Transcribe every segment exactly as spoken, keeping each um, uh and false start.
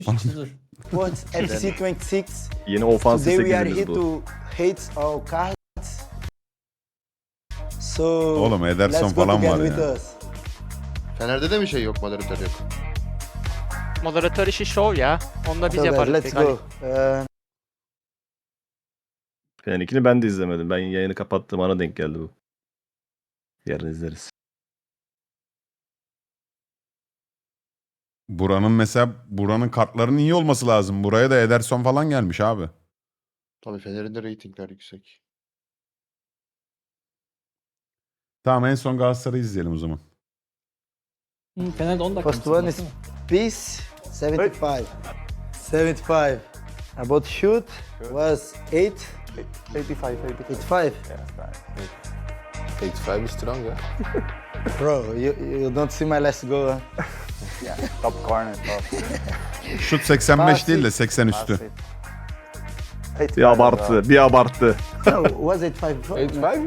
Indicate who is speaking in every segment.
Speaker 1: Şimdi dur.
Speaker 2: What's F C yirmi altı?
Speaker 3: Yeni ofansif
Speaker 2: Today we are here
Speaker 3: sekizimiz bu.
Speaker 2: to hate our cards. So
Speaker 4: Oğlum Ederson
Speaker 2: let's go
Speaker 4: falan
Speaker 2: together
Speaker 4: var
Speaker 2: with
Speaker 4: ya.
Speaker 2: us.
Speaker 5: Fener'de de mi şey yok, moderatör yok?
Speaker 6: Moderatör işi şov ya. Onu da biz
Speaker 2: So guys,
Speaker 6: yaparız.
Speaker 2: let's
Speaker 6: tek.
Speaker 2: go. Uh,
Speaker 3: Fener'inkini ben de izlemedim. Ben yayını kapattım, ana denk geldi bu. Yarın izleriz.
Speaker 4: Buranın mesela buranın kartlarının iyi olması lazım. Buraya da Ederson falan gelmiş abi.
Speaker 5: Tabii Fener'in de reytingler yüksek.
Speaker 4: Tamam en son Galatasaray'ı izleyelim o zaman.
Speaker 1: Hı, Fener'de on dakika.
Speaker 2: first one is Peace seventy-five. seventy-five. About shoot was eight.
Speaker 7: eighty-five, eighty-five.
Speaker 2: eighty-five.
Speaker 7: eighty-five is strong, yeah?
Speaker 2: Bro, you, you don't see my last goal. Huh?
Speaker 7: Yeah, top corner, top.
Speaker 4: Şut seksen beş değil de seksen üstü.
Speaker 3: Bir abarttı, bir abarttı.
Speaker 2: No, was eighty-five before?
Speaker 7: eighty-five?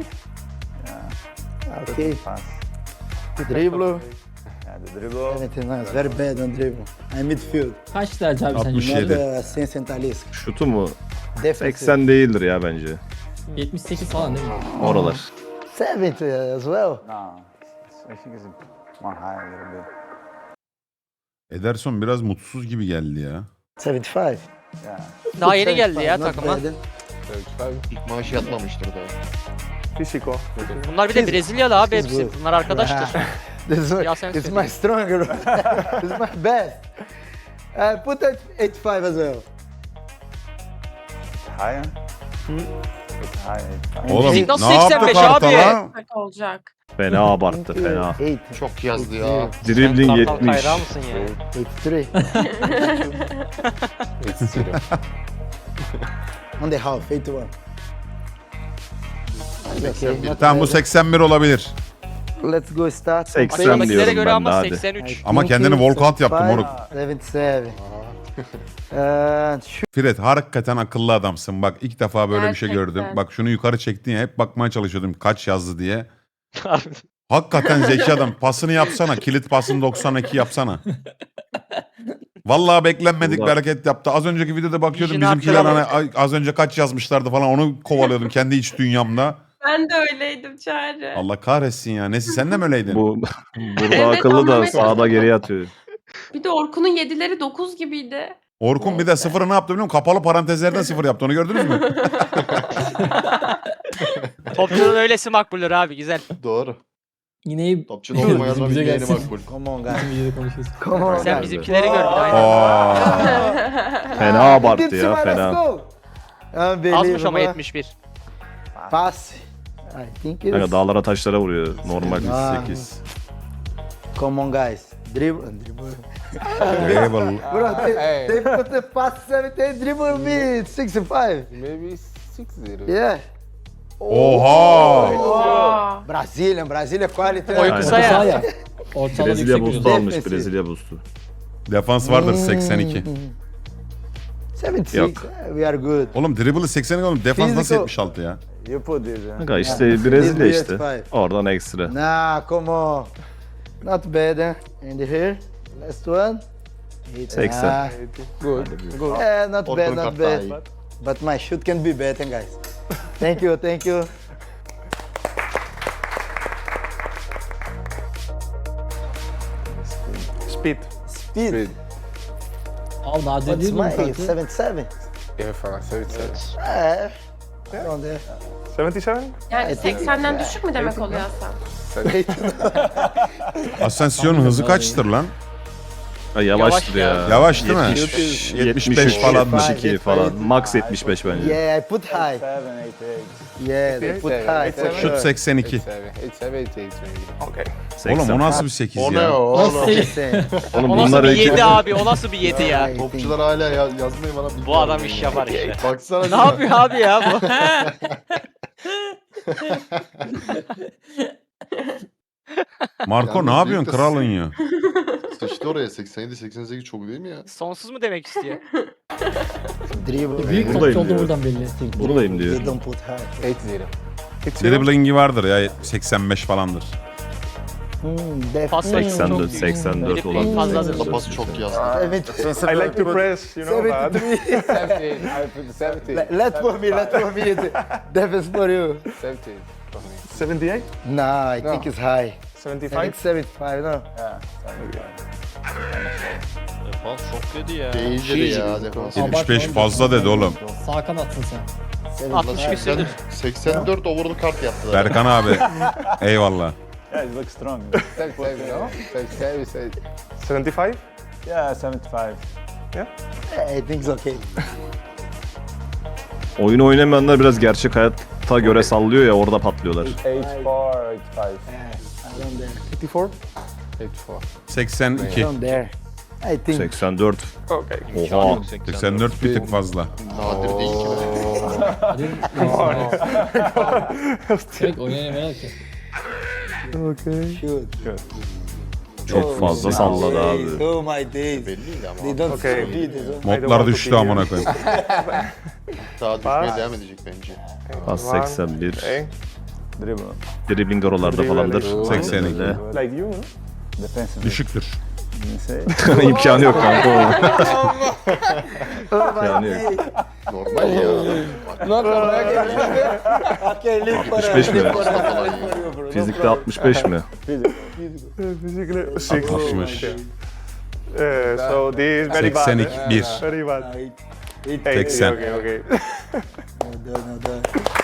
Speaker 2: Okay.
Speaker 7: Pass.
Speaker 2: Dribble.
Speaker 7: Yeah, the dribble.
Speaker 2: seventy-nine. Very bad on dribble. I'm midfield.
Speaker 1: Kaç derece abi sence?
Speaker 4: altmış
Speaker 2: Not
Speaker 4: yedi.
Speaker 2: uh, centralist.
Speaker 3: Şutu mu?
Speaker 2: Defensive.
Speaker 3: seksen değildir ya bence.
Speaker 1: yetmiş sekiz falan değil mi?
Speaker 3: Oralar.
Speaker 2: seventy as well.
Speaker 7: No, I think it's more high a little bit.
Speaker 4: Ederson biraz mutsuz gibi geldi ya.
Speaker 2: seventy-five.
Speaker 7: Yeah,
Speaker 6: Daha yeni geldi ya
Speaker 2: Not
Speaker 6: takıma.
Speaker 2: bad.
Speaker 7: thirty-five.
Speaker 5: İlk maaşı yatmamıştır daha.
Speaker 7: Physical.
Speaker 6: Bunlar bir de Brezilyalı abi
Speaker 2: He's
Speaker 6: hepsi.
Speaker 2: good.
Speaker 6: Bunlar arkadaştır.
Speaker 2: This one,
Speaker 6: Ya sen
Speaker 2: it's
Speaker 6: söyle.
Speaker 2: my stronger. It's my best. Uh, put that eighty-five as well.
Speaker 7: Higher? It's high, eighty-five.
Speaker 4: Oğlum
Speaker 6: Bizim nasıl
Speaker 4: ne yaptı
Speaker 6: seksen beş
Speaker 4: karta
Speaker 6: abi?
Speaker 4: lan?
Speaker 8: olacak.
Speaker 3: Fena abarttı, fena.
Speaker 2: Eight.
Speaker 5: Çok yazdı ya.
Speaker 3: Dribbling yetmiş.
Speaker 6: mısın ya?
Speaker 2: eighty-three.
Speaker 7: It's zero.
Speaker 2: On the half, eighty-one. Okay, not
Speaker 4: Tamam bu
Speaker 2: bad.
Speaker 4: seksen bir olabilir.
Speaker 2: Let's go start.
Speaker 3: seksen
Speaker 6: Aşağıdakilere
Speaker 3: diyorum
Speaker 6: göre
Speaker 3: ben de
Speaker 6: ama
Speaker 3: hadi.
Speaker 6: seksen üç.
Speaker 4: Ama kendini walkout yaptı moruk.
Speaker 2: seventy-seven. Uh, shoot.
Speaker 4: Fred hakikaten akıllı adamsın. Bak ilk defa böyle bir şey
Speaker 8: Gerçekten.
Speaker 4: gördüm. Bak şunu yukarı çektin ya hep bakmaya çalışıyordum kaç yazdı diye. Hakikaten zeki adam. Pasını yapsana. Kilit pasını doksan iki yapsana. Vallahi beklenmedik bir hareket yaptı. Az önceki videoda bakıyordum
Speaker 6: İşini
Speaker 4: bizimkiler hani
Speaker 6: arttıramadı.
Speaker 4: ay- az önce kaç yazmışlardı falan onu kovalıyordum kendi iç dünyamda.
Speaker 8: Ben de öyleydim Çağrı.
Speaker 4: Allah kahretsin ya. Nesi sen de mi öyleydin?
Speaker 3: Bu burada
Speaker 8: Evet,
Speaker 3: akıllı da
Speaker 8: anlamaya
Speaker 3: sağda
Speaker 8: çalışıyorum.
Speaker 3: geriye atıyor.
Speaker 8: Bir de Orkun'un yedileri dokuz gibiydi.
Speaker 4: Orkun bir de sıfırı ne yaptı biliyor musun? Kapalı parantezlerden sıfır yaptı. Onu gördünüz mü?
Speaker 6: Topçunun öylesi makbuldür abi güzel.
Speaker 5: Doğru.
Speaker 1: Yine
Speaker 5: Topçu olmayan
Speaker 1: Bizim
Speaker 5: o
Speaker 1: bize
Speaker 5: bildiğini
Speaker 1: gelsin.
Speaker 5: makbul.
Speaker 2: Come on, guys.
Speaker 1: bizim videoda konuşuyoruz.
Speaker 2: Come on,
Speaker 6: Sen
Speaker 2: guys.
Speaker 6: bizimkileri gördün aynen.
Speaker 4: Aa.
Speaker 3: Fena
Speaker 2: Ah,
Speaker 3: abarttı
Speaker 2: you did
Speaker 3: ya,
Speaker 2: see my
Speaker 3: fena.
Speaker 2: last goal.
Speaker 6: Azmış ama
Speaker 2: Unbelievable.
Speaker 6: yetmiş bir.
Speaker 2: Pass. I think it
Speaker 3: Kanka
Speaker 2: is.
Speaker 3: dağlara taşlara vuruyor. Normal
Speaker 2: Ah.
Speaker 3: sekiz.
Speaker 2: Come on, guys. Dribble. Dribble.
Speaker 4: Eyvallah.
Speaker 2: Bro, they,
Speaker 7: Hey.
Speaker 2: they put the pass seventy-eight, dribble me sixty-five.
Speaker 7: Maybe six zero.
Speaker 2: Yeah.
Speaker 4: Oha.
Speaker 8: Wow.
Speaker 2: Brazilian, Brazilian quality.
Speaker 6: Oy
Speaker 3: Aynen.
Speaker 6: kısa
Speaker 1: Orta saha
Speaker 6: ya.
Speaker 1: ya. Ortalama
Speaker 3: Brezilya
Speaker 1: yüksek
Speaker 3: boost'u
Speaker 1: bir
Speaker 3: almış.
Speaker 2: Defensive.
Speaker 3: Brezilya boost'u.
Speaker 4: Defans vardır seksen iki.
Speaker 2: seventy-six.
Speaker 3: Yok.
Speaker 2: We are good.
Speaker 4: Oğlum dribble'ı seksen iki oğlum. Defans nasıl
Speaker 2: Physical.
Speaker 4: yetmiş altı ya?
Speaker 7: You put this. Uh,
Speaker 3: Kanka işte Brezilya
Speaker 2: This
Speaker 3: işte.
Speaker 2: five.
Speaker 3: Oradan ekstra.
Speaker 2: Nah, come on. Not bad. Eh? And here, last one. Eight.
Speaker 3: seksen.
Speaker 2: Ah,
Speaker 7: good. Good.
Speaker 2: eh, not
Speaker 5: Orkun
Speaker 2: bad, not
Speaker 5: kart daha iyi.
Speaker 2: bad. But my shoot can be better, guys. Thank you, thank you.
Speaker 7: Speed.
Speaker 2: Speed.
Speaker 7: Speed.
Speaker 1: Al nadir
Speaker 2: What's
Speaker 1: değil mi bu
Speaker 2: my
Speaker 1: kartı?
Speaker 2: seventy-seven?
Speaker 7: Yeah, fine. seventy-seven.
Speaker 2: Eh, around there.
Speaker 7: seventy-seven?
Speaker 8: Yani seksenden düşük mü demek oluyor Hasan?
Speaker 4: Asensio'nun hızı kaçtır lan?
Speaker 3: Ha, yavaştır
Speaker 6: Yavaş
Speaker 3: ya.
Speaker 6: ya.
Speaker 4: Yavaş değil mi?
Speaker 3: yetmiş,
Speaker 4: yetmiş beş
Speaker 3: yetmiş üç,
Speaker 4: falan.
Speaker 3: yetmiş iki falan. Max yetmiş beş bence.
Speaker 2: Yeah, I put high.
Speaker 7: Seven, eight, eight.
Speaker 2: Yeah, they put high. for
Speaker 7: Eight,
Speaker 4: Şut
Speaker 2: sure.
Speaker 4: seksen iki.
Speaker 7: Eight, seven. Eight, seven, eight, eight, maybe. Okay.
Speaker 4: Oğlum
Speaker 3: seksen.
Speaker 4: o nasıl bir sekiz
Speaker 5: O ne
Speaker 4: ya?
Speaker 5: o
Speaker 1: Nasıl
Speaker 5: oğlum?
Speaker 1: sekiz?
Speaker 2: Same.
Speaker 3: Oğlum
Speaker 6: O nasıl
Speaker 3: bunlar
Speaker 6: bir
Speaker 3: iki.
Speaker 6: yedi abi? O nasıl bir yedi ya?
Speaker 2: I
Speaker 5: Topçular hala ya, yazmayı bana bilmiyor.
Speaker 6: Bu adam iş yapar işte.
Speaker 5: Baksana.
Speaker 6: Ne yapıyor abi ya bu?
Speaker 4: Marco
Speaker 5: Yalnız
Speaker 4: ne yapıyorsun
Speaker 5: büyük de-
Speaker 4: kralın ya?
Speaker 5: Sıçtı oraya seksen yedi seksen sekiz çok değil mi ya?
Speaker 6: Sonsuz mu demek istiyor?
Speaker 2: Dribble.
Speaker 1: Büyük
Speaker 3: Buradayım
Speaker 1: topçu oldu
Speaker 3: diyor.
Speaker 1: buradan belli.
Speaker 3: Buradayım diyor.
Speaker 2: They don't put high.
Speaker 7: Eight zero.
Speaker 4: Dribbling'i vardır ya seksen beş falandır.
Speaker 2: Hmm, def-
Speaker 6: Pas
Speaker 2: hmm.
Speaker 3: seksen dört,
Speaker 6: çok
Speaker 3: seksen dört
Speaker 6: Dribbling
Speaker 3: olabilir.
Speaker 6: fazladır.
Speaker 5: Da pas çok yazdı.
Speaker 2: Evet.
Speaker 7: I like to press, you know that.
Speaker 2: seventy-three.
Speaker 7: seventeen. I put seventeen.
Speaker 2: Let, let for me, let for me. Defense for you.
Speaker 7: seventeen.
Speaker 9: seventy-eight?
Speaker 2: Nah, I
Speaker 7: No.
Speaker 2: think it's high. I
Speaker 9: seventy-five?
Speaker 2: think seventy-five, no?
Speaker 7: Yeah, seventy-five.
Speaker 6: Defans çok kötü ya.
Speaker 5: Değildir ya defans.
Speaker 4: yetmiş beş fazla dedi oğlum.
Speaker 1: Sağ kanatsın sen.
Speaker 6: altmış küsürdür.
Speaker 5: seksen dört overall kart yaptılar.
Speaker 4: Berkan abi. Eyvallah.
Speaker 7: Yeah, it looks strong. seventy-seven, no? seventy-seven, say-
Speaker 9: seventy-five?
Speaker 7: Yeah, seventy-five.
Speaker 2: I think it's okay.
Speaker 3: Oyun oynamayanlar biraz gerçek hayata göre sallıyor ya orada patlıyorlar.
Speaker 7: eighty-four, eighty-five.
Speaker 2: Around there.
Speaker 9: eighty-four?
Speaker 7: eighty-four.
Speaker 4: seksen iki.
Speaker 2: Around there. I think.
Speaker 3: seksen dört.
Speaker 9: Okay.
Speaker 3: Oha.
Speaker 4: seksen dört bir tık fazla.
Speaker 5: Nadir değil ki be.
Speaker 1: Hadi. Direkt oynayamıyorlar ki.
Speaker 9: Okay.
Speaker 2: Shoot.
Speaker 3: Çok fazla salladı abi.
Speaker 2: Oh my days.
Speaker 5: Belliydi ama.
Speaker 2: They don't
Speaker 9: Okay.
Speaker 2: okay. They don't.
Speaker 4: Modlar düştü amına koyayım.
Speaker 5: Daha düşmeye devam edecek bence.
Speaker 3: Pas seksen bir.
Speaker 9: Okay.
Speaker 7: Dribble.
Speaker 3: Dribbling oralarda falandır.
Speaker 4: seksen iki.
Speaker 3: Öyle.
Speaker 9: Like you, no?
Speaker 7: Defensive.
Speaker 4: Düşüktür.
Speaker 7: Say.
Speaker 3: İmkanı yok kanka o. İmkanı yok.
Speaker 5: Normal ya.
Speaker 2: Okay, leave for
Speaker 3: altmış beş mi?
Speaker 2: leave for
Speaker 5: Falan
Speaker 2: leave
Speaker 5: ya.
Speaker 2: for you, bro.
Speaker 3: Fizikte altmış beş mi?
Speaker 9: Physically, six.
Speaker 4: altmış.
Speaker 9: Uh, so this is very bad.
Speaker 4: seksen
Speaker 9: eh?
Speaker 4: iki bir.
Speaker 9: Very bad.
Speaker 2: Ah, it- it-
Speaker 9: Hey,
Speaker 4: seksen.
Speaker 9: Okay, okay.
Speaker 2: No, no, no, no.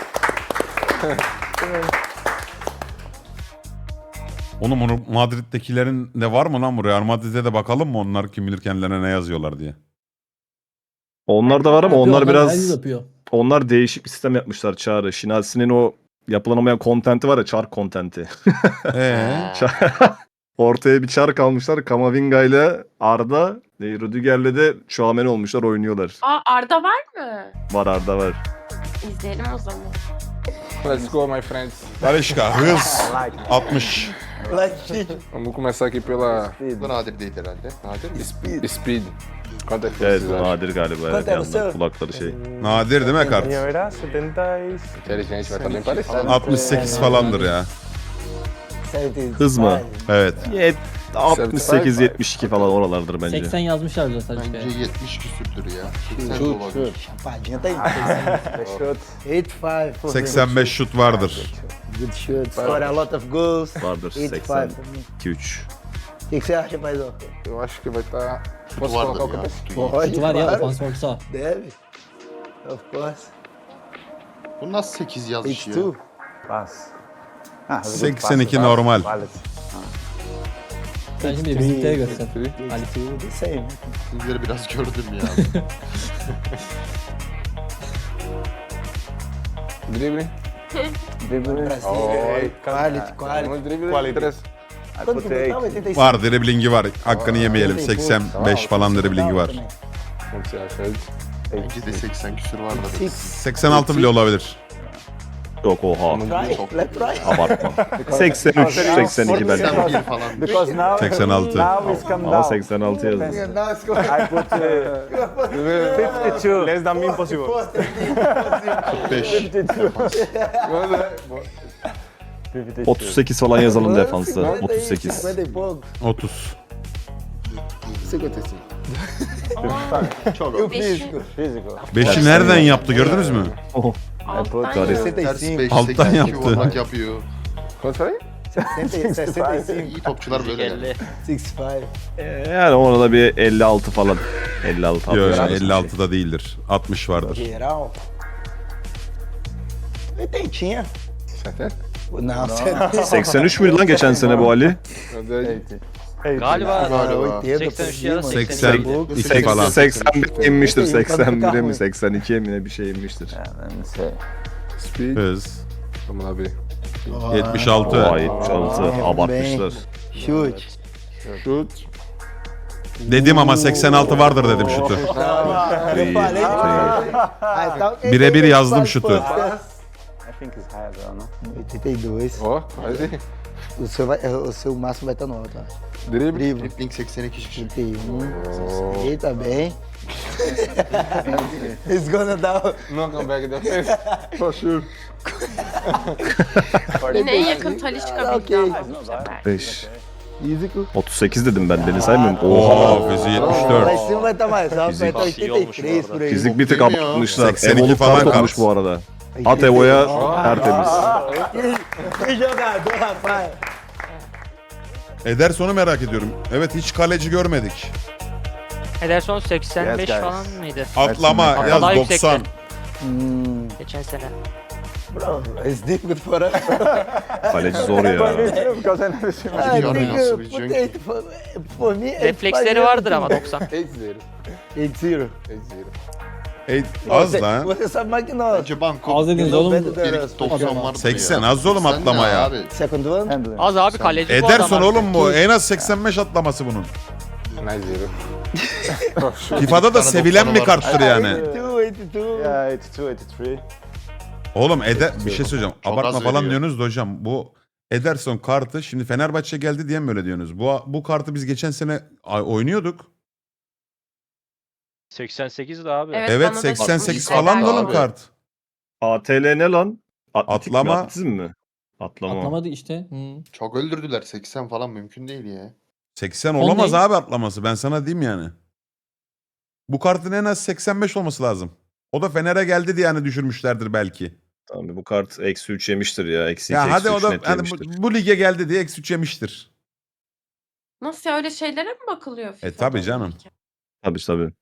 Speaker 4: Oğlum onu Madrid'dekilerin de var mı lan bu? Real Madrid'e de bakalım mı onlar kim bilir kendilerine ne yazıyorlar diye.
Speaker 3: Onlar da var ama onlar
Speaker 1: Yapıyor,
Speaker 3: biraz
Speaker 1: herkes yapıyor.
Speaker 3: onlar değişik bir sistem yapmışlar Çağrı. Şinasi'nin o yapılanamayan kontenti var ya, çark kontenti.
Speaker 4: Ee,
Speaker 3: Ortaya bir çark almışlar. Kamavinga ile Arda, e, Rüdiger'le de Chouameni olmuşlar, oynuyorlar.
Speaker 8: Aa Arda var mı?
Speaker 3: Var, Arda var.
Speaker 8: İzleyelim o zaman.
Speaker 10: Let's go, my friends.
Speaker 4: Barışka hız altmış.
Speaker 2: Like shit.
Speaker 10: Vamos começar aqui pela
Speaker 5: Bu nadir değil herhalde. Nadir mi?
Speaker 2: Speed.
Speaker 10: speed. Quanto é que
Speaker 3: Evet,
Speaker 10: vocês
Speaker 3: bu
Speaker 10: acham?
Speaker 3: nadir galiba. Evet,
Speaker 2: Zaten
Speaker 3: yandan
Speaker 2: sen-
Speaker 3: kulakları şey.
Speaker 4: Nadir değil mi kart?
Speaker 9: Minha era setenta e...
Speaker 10: Inteligente, vai estar bem parecido.
Speaker 4: altmış sekiz falandır ya.
Speaker 2: seventy-five.
Speaker 3: Hız mı?
Speaker 4: Evet.
Speaker 3: Yet- altmış sekiz yetmiş iki falan oralardır bence.
Speaker 1: seksen yazmışlar bile sadece.
Speaker 5: Bence yetmiş küsürdür ya. seksen de
Speaker 10: Şut,
Speaker 5: olabilir.
Speaker 2: Chapadinha tá aí.
Speaker 7: Shoot.
Speaker 2: eighty-five for me.
Speaker 4: seksen beş şut vardır.
Speaker 2: Good shoot. Score a lot of goals.
Speaker 3: Vardır
Speaker 2: eighty-five
Speaker 3: seksen
Speaker 2: for me.
Speaker 3: iki üç.
Speaker 2: O que que você acha, paizão?
Speaker 10: Eu acho que vai estar.
Speaker 5: Şutu
Speaker 10: Posso
Speaker 5: vardır
Speaker 10: colocar o
Speaker 5: ya.
Speaker 10: capacete?
Speaker 5: Şutu iyi.
Speaker 2: Pode,
Speaker 1: Şutu var ya,
Speaker 2: claro.
Speaker 1: ofans orta.
Speaker 2: Deve. Of course.
Speaker 5: Bu nasıl sekiz yazmış ya?
Speaker 2: eighty-two.
Speaker 7: Pass. Ah,
Speaker 4: seksen iki normal.
Speaker 7: Valid.
Speaker 1: Sen şimdi bizimkileri göster.
Speaker 2: eighty-two, the same.
Speaker 5: Sizleri biraz gördüm ya.
Speaker 10: Drible.
Speaker 7: Dribble.
Speaker 2: Brasil. Quality, quality.
Speaker 10: Vamos drible.
Speaker 9: Quality.
Speaker 10: Três.
Speaker 2: Quanto que botava? eighty-six.
Speaker 4: Var driblingi var. Hakkını yemeyelim. seksen beş falan driblingi var.
Speaker 10: Como você acha?
Speaker 5: Bence de seksen küsür vardır.
Speaker 4: seksen altı bile olabilir.
Speaker 3: Yok, oha.
Speaker 2: Try, let's try.
Speaker 3: Abartma. seksen üç, seksen iki belki.
Speaker 5: seksen bir falan.
Speaker 7: Because now,
Speaker 4: seksen altı.
Speaker 7: now it's come
Speaker 3: Ama
Speaker 7: down.
Speaker 3: seksen altı yazmış.
Speaker 2: Now it's going.
Speaker 7: I put uh, fifty-two.
Speaker 9: Less than me impossible.
Speaker 5: beş.
Speaker 7: fifty-two.
Speaker 3: otuz sekiz falan yazalım defansta. otuz sekiz.
Speaker 2: cinquenta e pouco.
Speaker 4: otuz.
Speaker 5: cinquenta e cinco. Çok
Speaker 2: E o
Speaker 5: az.
Speaker 2: físico?
Speaker 7: Physical.
Speaker 4: beşi nereden yaptı gördünüz mü?
Speaker 8: Alttan
Speaker 7: put-
Speaker 8: ya.
Speaker 5: Ters beş,
Speaker 4: Alttan
Speaker 5: seksen iki
Speaker 4: yaptı.
Speaker 5: yuvarlak yapıyor.
Speaker 10: Quanto falei?
Speaker 2: sessenta e cinco.
Speaker 5: İyi topçular böyle yani.
Speaker 2: sixty-five.
Speaker 3: Yani ona da bir elli altı falan. elli altı
Speaker 4: Yok
Speaker 3: altmış.
Speaker 4: elli altıda değildir. altmış vardır.
Speaker 2: Geral. Oitentinha.
Speaker 10: setenta?
Speaker 2: Não, setenta.
Speaker 3: seksen üç müydü lan geçen sene bu Ali?
Speaker 7: eighty.
Speaker 6: Galiba
Speaker 5: Galiba.
Speaker 2: oitenta
Speaker 6: seksen üç ya da
Speaker 2: por
Speaker 4: seksen
Speaker 2: cima.
Speaker 4: iki falan.
Speaker 3: seksen bir inmiştir. seksen bire mi seksen ikiye mi ne bir şey inmiştir.
Speaker 7: Yeah, let me see.
Speaker 10: Speed.
Speaker 4: Hız.
Speaker 10: Vamos lá ver.
Speaker 4: yetmiş altı.
Speaker 3: Oha, yetmiş altı. Abartmışlar.
Speaker 2: Chute.
Speaker 10: Chute.
Speaker 4: Dedim ama seksen altı vardır dedim şutu.
Speaker 2: Eu falei. Ah, então,
Speaker 4: Birebir yazdım şutu.
Speaker 7: I think it's higher though, no?
Speaker 2: oitenta e dois.
Speaker 10: Ó, quase.
Speaker 2: O seu, vai, o seu máximo vai estar no alto. ó.
Speaker 10: Drible.
Speaker 2: Drible.
Speaker 5: Dribbling seksen iki.
Speaker 2: trinta e um. Eita, bem. He's gonna down.
Speaker 10: No come back in the face. For sure.
Speaker 8: Yine en yakın Talişka bildi
Speaker 2: Okay.
Speaker 8: ama bu sefer.
Speaker 3: beş.
Speaker 2: Easy cool.
Speaker 3: otuz sekiz dedim ben deli saymıyorum.
Speaker 4: Oha
Speaker 3: Oha.
Speaker 4: Fizi
Speaker 2: Vai
Speaker 4: yetmiş dört.
Speaker 2: cima vai estar mais alto, vai
Speaker 3: Fizik.
Speaker 2: estar
Speaker 6: İyi olmuş bu
Speaker 2: oitenta e três
Speaker 6: arada.
Speaker 2: por aí.
Speaker 3: Fizik bir tık
Speaker 5: Değil mi ya?
Speaker 3: atmışlar.
Speaker 4: seksen iki
Speaker 3: Evoluk
Speaker 4: falan
Speaker 3: kart olmuş
Speaker 4: kart.
Speaker 3: bu arada. At Evo'ya tertemiz.
Speaker 2: Que jogador, rapaz.
Speaker 4: Ederson'u merak ediyorum. Evet hiç kaleci görmedik.
Speaker 6: Ederson seksen beş
Speaker 7: Yes, guys.
Speaker 6: falan mıydı?
Speaker 4: Atlama
Speaker 7: Hatta
Speaker 4: yaz
Speaker 6: daha
Speaker 4: doksan.
Speaker 6: yüksekti.
Speaker 2: Hmm,
Speaker 6: Geçen sene.
Speaker 2: bro, it's difficult for us.
Speaker 3: Kaleci zor ya.
Speaker 7: Because I never seen
Speaker 2: I
Speaker 5: Yani
Speaker 2: think
Speaker 5: nasıl
Speaker 2: uh,
Speaker 5: bir
Speaker 2: put
Speaker 5: cenk?
Speaker 2: eight for, for me. eight
Speaker 6: Refleksleri
Speaker 2: five
Speaker 6: vardır ama doksan.
Speaker 10: eight zero.
Speaker 2: eight zero.
Speaker 10: eight zero.
Speaker 4: Ey, az
Speaker 2: Você-
Speaker 4: lan.
Speaker 2: Você sabe mais que nós.
Speaker 5: Bence banko.
Speaker 1: Az dediniz
Speaker 2: Yok,
Speaker 1: oğlum.
Speaker 2: ben de-
Speaker 5: İlk doksan vardı
Speaker 4: seksen
Speaker 5: ya.
Speaker 4: az oğlum
Speaker 5: Sen ne
Speaker 4: atlama ya.
Speaker 5: Abi?
Speaker 2: Second one.
Speaker 7: handling.
Speaker 6: Az abi kaleci bu adam.
Speaker 4: Ederson
Speaker 6: abi.
Speaker 4: oğlum bu. En az seksen beş atlaması bunun.
Speaker 10: nine zero.
Speaker 4: FIFA'da da
Speaker 5: tane
Speaker 4: sevilen
Speaker 5: doksanı
Speaker 4: bir
Speaker 5: var.
Speaker 4: karttır yani.
Speaker 2: eighty-two, eighty-two.
Speaker 7: Yeah, eighty-two, eighty-three.
Speaker 4: Oğlum Eder bir şey söyleyeceğim.
Speaker 5: Çok
Speaker 4: Abartma
Speaker 5: az
Speaker 4: falan
Speaker 5: veriyor.
Speaker 4: diyorsunuz da hocam. Bu Ederson kartı şimdi Fenerbahçe geldi diye mi öyle diyorsunuz? Bu bu kartı biz geçen sene ay- oynuyorduk.
Speaker 6: seksen sekiz de abi.
Speaker 8: Evet,
Speaker 4: Evet
Speaker 8: bana da
Speaker 4: seksen sekiz
Speaker 8: çıkmış.
Speaker 4: falan da
Speaker 5: Abi.
Speaker 4: oğlum kart.
Speaker 3: A T L ne lan? Atletik
Speaker 4: Atlama.
Speaker 3: Mi? Atletizm mi? Atlama.
Speaker 1: Atlamadı işte. Hı.
Speaker 5: Çok öldürdüler. seksen falan mümkün değil ya.
Speaker 4: seksen
Speaker 1: On
Speaker 4: olamaz
Speaker 1: değil.
Speaker 4: abi atlaması. Ben sana diyeyim yani. Bu kartın en az seksen beş olması lazım. O da Fener'e geldi diye yani düşürmüşlerdir belki.
Speaker 3: Tamam bu kart eksi üç yemiştir ya. Eksi iki,
Speaker 4: Ya
Speaker 3: eksi
Speaker 4: hadi o
Speaker 3: üç
Speaker 4: da
Speaker 3: net
Speaker 4: hani
Speaker 3: yemiştir.
Speaker 4: bu, bu lige geldi diye eksi üç yemiştir.
Speaker 8: Nasıl ya, öyle şeylere mi bakılıyor FIFA'da?
Speaker 4: E, tabii canım.
Speaker 3: Tabii tabii.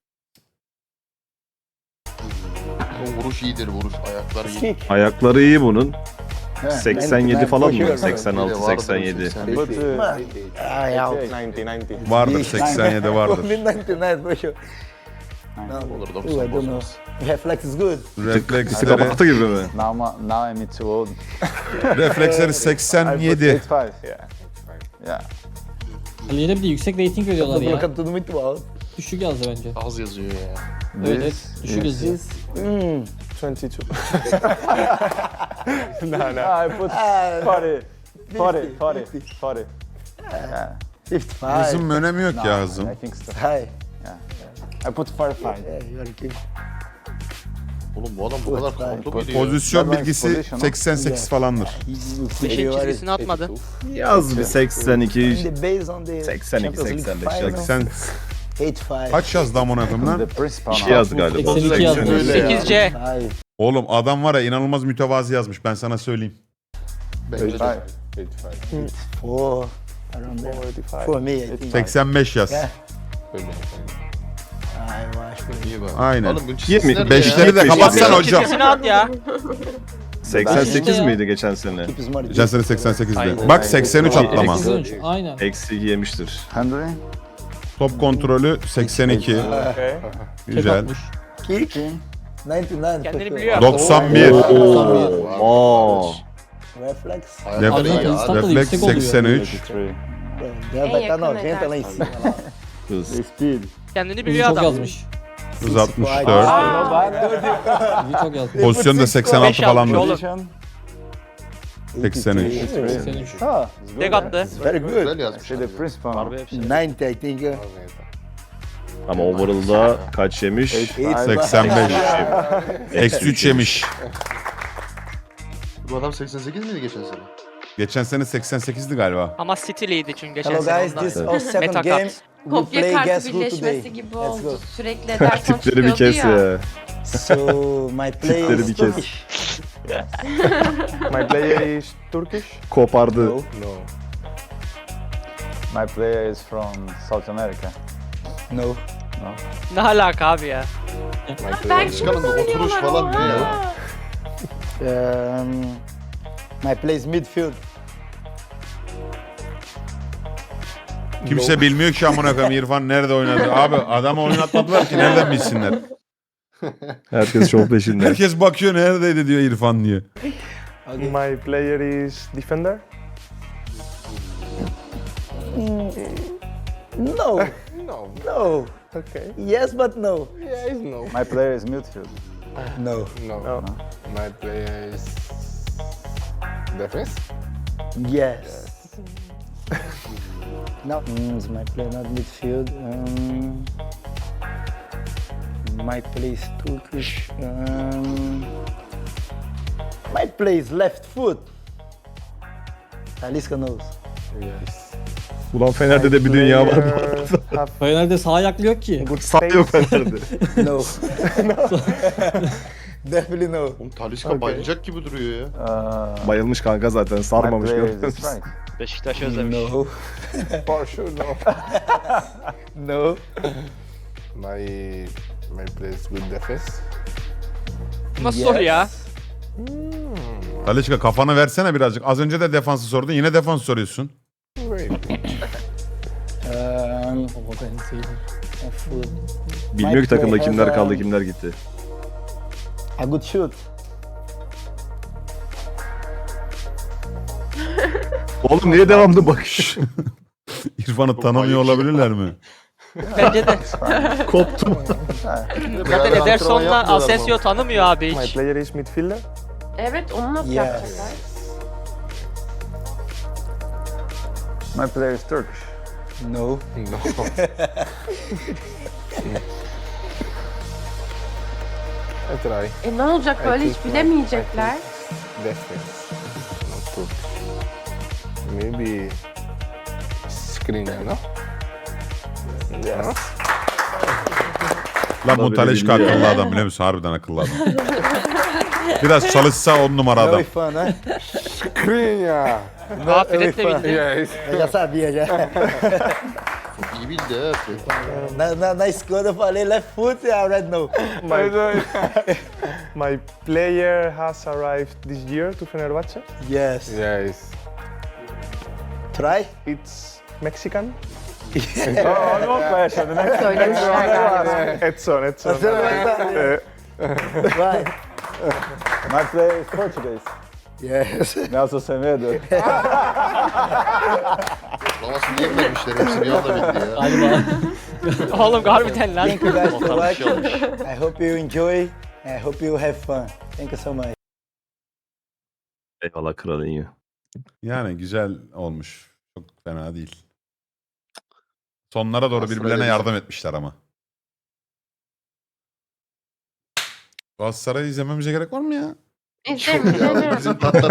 Speaker 5: O vuruş iyidir vuruş. Ayaklar iyi.
Speaker 3: Ayakları iyi bunun.
Speaker 2: Yeah,
Speaker 3: seksen yedi
Speaker 2: ninety-nine
Speaker 3: falan
Speaker 2: for
Speaker 3: mı?
Speaker 2: sure.
Speaker 3: seksen altı, seksen yedi.
Speaker 10: But uh,
Speaker 2: Man, I out.
Speaker 10: ninety ninety.
Speaker 4: Vardır seksen yedi
Speaker 2: For
Speaker 4: vardır.
Speaker 2: me, ninety-nine for sure. No,
Speaker 5: Olur
Speaker 2: ooh, I
Speaker 5: doksan
Speaker 2: don't know.
Speaker 5: bozmaz.
Speaker 2: Reflex is good.
Speaker 3: Tık
Speaker 4: Refleksleri,
Speaker 3: abartı gibi mi?
Speaker 7: Now, I'm- now I'm too old.
Speaker 4: refleksleri
Speaker 7: I put
Speaker 4: seksen yedi.
Speaker 7: eighty-five, yeah. Yeah.
Speaker 1: Ali'ye de bir de yüksek rating veriyorlar
Speaker 2: Tô
Speaker 1: ya.
Speaker 2: colocando tudo muito alto.
Speaker 1: Düşük yazdı bence.
Speaker 5: Az yazıyor ya.
Speaker 1: Evet, evet.
Speaker 7: This
Speaker 1: Düşük
Speaker 7: is-
Speaker 1: yazıyor.
Speaker 2: Hmm.
Speaker 9: twenty-two. no, no.
Speaker 7: Ah, I put
Speaker 2: Ah,
Speaker 7: forty, forty,
Speaker 2: fifty,
Speaker 7: forty,
Speaker 2: fifty.
Speaker 7: forty. Yeah.
Speaker 2: fifty-five.
Speaker 4: Hızın önemi yok ya
Speaker 7: No,
Speaker 4: hızın.
Speaker 7: I think so.
Speaker 2: High.
Speaker 7: I put forty-five.
Speaker 2: Yeah, you are kidding.
Speaker 5: Oğlum bu adam bu kadar kontrol muydu ya?
Speaker 4: Pozisyon
Speaker 7: That one's
Speaker 4: bilgisi
Speaker 7: position,
Speaker 4: seksen sekiz falandır.
Speaker 6: Beşin çizgisini atmadı.
Speaker 3: Yaz bir seksen
Speaker 2: In
Speaker 3: iki,
Speaker 2: the base on the
Speaker 3: seksen iki,
Speaker 2: Champions League
Speaker 3: seksen beş,
Speaker 2: final,
Speaker 4: seksen
Speaker 2: eighty-five.
Speaker 4: kaç yazdı amına koyayım
Speaker 7: The
Speaker 4: lan?
Speaker 7: principal
Speaker 3: iki
Speaker 7: now.
Speaker 3: yazdı galiba.
Speaker 1: seksen iki yazdı.
Speaker 5: Öyle ya.
Speaker 6: sekiz C.
Speaker 2: Five.
Speaker 4: Oğlum adam var ya inanılmaz mütevazi yazmış ben sana söyleyeyim.
Speaker 5: Bence de.
Speaker 7: Eighty-five.
Speaker 10: eighty-five.
Speaker 2: Four. Around there.
Speaker 9: forty-five.
Speaker 2: For me, I think.
Speaker 4: seksen beş yaz.
Speaker 2: Yeah.
Speaker 10: Öyle.
Speaker 2: Ah, eu acho que
Speaker 5: İyi bak.
Speaker 4: Aynen.
Speaker 5: Oğlum bu çizgisi
Speaker 3: Yirmi-
Speaker 5: nerede
Speaker 4: Beşleri de
Speaker 5: ya?
Speaker 4: kapatsana
Speaker 6: Beşin
Speaker 4: hocam.
Speaker 6: çizgisini at ya.
Speaker 3: seksen sekiz
Speaker 1: İşte ya.
Speaker 3: miydi geçen sene?
Speaker 2: keep smart.
Speaker 4: Geçen sene seksen sekizde.
Speaker 6: Aynen.
Speaker 4: Bak seksen üç atlama.
Speaker 1: seksen üç, aynen.
Speaker 3: Eksi iki yemiştir.
Speaker 7: Handling.
Speaker 4: Top kontrolü seksen iki.
Speaker 9: Okay.
Speaker 1: Tek
Speaker 4: Güzel.
Speaker 1: atmış.
Speaker 2: Kick. ninety-nine.
Speaker 6: Kendini
Speaker 2: for sure.
Speaker 6: biliyor.
Speaker 4: doksan bir.
Speaker 1: doksan bir.
Speaker 3: Aa.
Speaker 2: Reflex.
Speaker 5: Ayaklar iyi ya.
Speaker 1: Refleks-
Speaker 5: Hadi.
Speaker 4: Refleks
Speaker 1: yüksek oluyor.
Speaker 4: seksen üç.
Speaker 7: eighty-three.
Speaker 2: Deve vai estar
Speaker 8: yakın
Speaker 2: noventa lá em
Speaker 8: edersin.
Speaker 2: cima.
Speaker 3: Hız.
Speaker 7: Speed.
Speaker 6: Kendini
Speaker 1: Hızı
Speaker 6: biliyor
Speaker 1: çok
Speaker 6: adam.
Speaker 1: yazmış.
Speaker 4: Hız altmış dört.
Speaker 1: Hızı çok yazmış.
Speaker 4: Pozisyonu da seksen altı
Speaker 6: beş yapmış
Speaker 4: falandır.
Speaker 6: oğlum.
Speaker 7: Position.
Speaker 4: seksen üç.
Speaker 1: seksen üç.
Speaker 7: Ah, it's good.
Speaker 6: Tek attı.
Speaker 2: Very good.
Speaker 5: Güzel yazmış.
Speaker 7: Actually, the principal.
Speaker 6: Harbi hepsi.
Speaker 2: ninety, I think. uh,
Speaker 3: Ama overall'da kaç yemiş?
Speaker 7: eighty-five.
Speaker 4: seksen beş. Eksi üç yemiş.
Speaker 5: Bu adam seksen sekiz miydi geçen sene?
Speaker 4: Geçen sene seksen sekizdi galiba.
Speaker 6: Ama City'liydi çünkü geçen
Speaker 2: Hello
Speaker 6: sene
Speaker 2: guys,
Speaker 6: ondan.
Speaker 2: this is our second
Speaker 6: Meta
Speaker 2: game.
Speaker 6: cut.
Speaker 2: We
Speaker 8: Kopya
Speaker 2: play
Speaker 8: kartı
Speaker 2: Guess Who today.
Speaker 8: birleşmesi gibi
Speaker 2: Let's
Speaker 8: oldu.
Speaker 2: go.
Speaker 8: Sürekli Ederson
Speaker 3: Tipleri bir
Speaker 8: çıkıyordu
Speaker 3: kes
Speaker 8: ya.
Speaker 3: ya.
Speaker 2: So my play
Speaker 3: Tipleri
Speaker 2: is
Speaker 3: bir kes.
Speaker 2: Turkish.
Speaker 9: My player is Turkish.
Speaker 3: Kopardı.
Speaker 10: No.
Speaker 7: My player is from South America.
Speaker 2: No.
Speaker 6: Ne alaka abi ya?
Speaker 10: My
Speaker 8: Belki
Speaker 10: player is
Speaker 5: Çıkalım da oturuş falan ne ya?
Speaker 2: Um, my play is midfield.
Speaker 4: Kimse bilmiyor ki amına koyayım İrfan nerede oynadı. Abi adamı oynatmadılar ki nereden bilsinler.
Speaker 3: Herkes çok peşinde.
Speaker 4: Herkes bakıyor neredeydi diyor İrfan diye.
Speaker 9: My player is defender.
Speaker 2: No.
Speaker 10: No.
Speaker 2: No.
Speaker 9: Okay.
Speaker 2: Yes, but no.
Speaker 10: Yeah, it's no.
Speaker 7: My player is midfield.
Speaker 2: No.
Speaker 9: No.
Speaker 10: No. My player is defense.
Speaker 2: Yes. No. Mm, is my play not midfield? Um, might play is Turkish. Um, might play is left foot. Talisca knows.
Speaker 10: Yes.
Speaker 3: Ulan Fener'de de bir dünya var bu arada.
Speaker 9: Player have
Speaker 1: Fener'de sağ ayaklı yok ki.
Speaker 9: good
Speaker 3: Sağ yok
Speaker 9: pace.
Speaker 3: Fener'de.
Speaker 2: No. Definitely no.
Speaker 5: Oğlum Talisca
Speaker 9: Okay.
Speaker 5: bayılacak gibi duruyor ya.
Speaker 7: Uh,
Speaker 3: Bayılmış kanka zaten
Speaker 7: my
Speaker 3: sarmamış
Speaker 7: player
Speaker 3: görüyor
Speaker 7: is
Speaker 3: musun?
Speaker 7: strike.
Speaker 6: Beşiktaş özlemiş.
Speaker 2: No.
Speaker 10: For sure, no.
Speaker 2: No.
Speaker 10: my my player is good defense.
Speaker 6: Nasıl soru ya?
Speaker 4: Talişka kafanı versene birazcık. Az önce de defansı sordun. Yine defans soruyorsun.
Speaker 10: Great.
Speaker 2: Um,
Speaker 1: Baba ben sevdim.
Speaker 2: foot.
Speaker 3: Bilmiyor ki takımda kimler kaldı kimler gitti.
Speaker 2: A good shoot.
Speaker 3: Oğlum niye devamlı bakış?
Speaker 4: İrfan'ı tanımıyor olabilirler mi?
Speaker 6: Bence de.
Speaker 3: Koptum.
Speaker 6: Zaten Ederson'la Asensio tanımıyor abi
Speaker 9: My
Speaker 6: hiç.
Speaker 9: player is midfielder.
Speaker 8: Evet onu nasıl
Speaker 2: Yes.
Speaker 8: yapacaklar?
Speaker 7: My player is Turkish.
Speaker 2: No.
Speaker 10: No. I try.
Speaker 8: E ne olacak böyle hiç bilemeyecekler.
Speaker 10: Defense. Not Turkish. Maybe Skriniar, no? Yes.
Speaker 4: Lan bu
Speaker 3: Tabii
Speaker 4: Talişka
Speaker 3: biliyor.
Speaker 4: akıllı adam biliyor musun? Harbiden akıllı adam. Biraz çalışsa on numara
Speaker 2: No
Speaker 4: adam.
Speaker 2: fun, huh?
Speaker 10: Skriniar.
Speaker 6: Aa Fred de bildi.
Speaker 10: Yes.
Speaker 2: Eu já sabia já.
Speaker 5: İyi bildi ha.
Speaker 2: Na, na, na escola eu falei left foot e a red no.
Speaker 9: My, my player has arrived this year to Fenerbahce.
Speaker 2: Yes.
Speaker 10: Yes.
Speaker 2: Try.
Speaker 9: It's Mexican.
Speaker 7: Oh, no pressure. The next
Speaker 8: Söylemişler galiba.
Speaker 9: Edson, Edson.
Speaker 2: Você não vai saber. Vai.
Speaker 7: My player is Portuguese.
Speaker 2: Yes.
Speaker 7: Nelson Semedo.
Speaker 5: Lamasını niye vermişler? Hepsi bir anda bildi ya.
Speaker 1: Galiba.
Speaker 6: Oğlum harbiden lan.
Speaker 2: Thank you guys for
Speaker 6: Ortam bir şey
Speaker 2: watching.
Speaker 6: olmuş.
Speaker 2: I hope you enjoy. I hope you have fun. Thank you so much.
Speaker 3: Eyvallah kralın iyi.
Speaker 4: Yani güzel olmuş. Çok fena değil. Sonlara doğru
Speaker 5: Aslında
Speaker 4: birbirlerine
Speaker 5: öyle
Speaker 4: yardım etmişler ama. Galatasaray'ı izlememize gerek var mı ya?
Speaker 8: İzlemeyin.
Speaker 5: Bizim hatta